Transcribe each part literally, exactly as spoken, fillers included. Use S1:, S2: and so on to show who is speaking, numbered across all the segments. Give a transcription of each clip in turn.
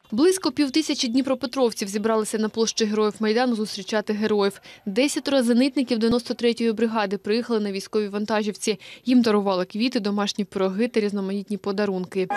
S1: Близько півтисячі дніпропетровців зібралися на площі Героїв Майдану зустрічати героїв. Десятеро зенитників дев'яносто третьої бригади приїхали на військовій вантажівці. Їм дарували квіти, домашні пироги та різноманітні подарунки.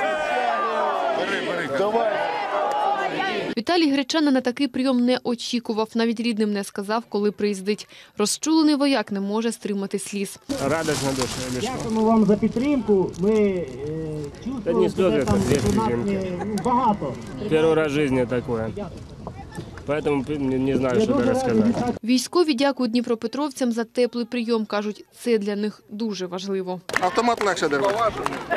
S1: Віталій Гречана на такий прийом не очікував. Навіть рідним не сказав, коли приїздить. Розчулений вояк не може стримати сліз.
S2: Радость на душі.
S3: Дякуємо вам за підтримку. Ми е, чувствуємо, що це там у нас не, ну, багато.
S2: Перший раз в житті таке. Поэтому не знаю, що розказати.
S1: Військові дякують дніпропетровцям за теплий прийом. Кажуть, це для них дуже важливо.
S4: Автомат легше держати.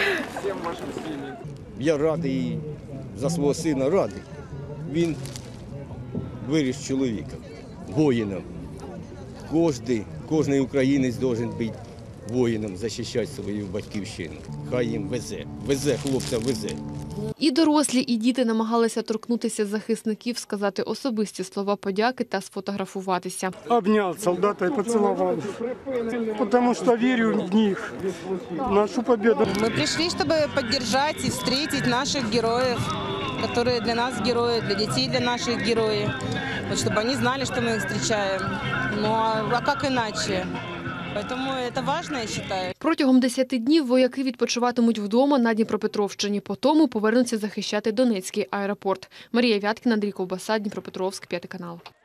S5: Я радий за свого сина, радий. Він виріс чоловіком, воїном. Кожний, кожний українець має бути воїном, захищати свою батьківщину. Хай їм везе, везе, хлопцям везе.
S1: І дорослі, і діти намагалися торкнутися захисників, сказати особисті слова подяки та сфотографуватися.
S6: Обняв солдата і поцілував, тому що вірю в них, в нашу перемогу.
S7: Ми прийшли, щоб підтримати і зустріти наших героїв, які для нас герої, для дітей для наших героїв, щоб вони знали, що ми їх зустрічаємо. Ну, а як іначе? Тому це важливо, я вважаю.
S1: Протягом десяти днів вояки відпочиватимуть вдома на Дніпропетровщині. Потім повернуться захищати Донецький аеропорт. Марія Вяткіна, Андрій Ковбаса, Дніпропетровськ, п'ятий канал.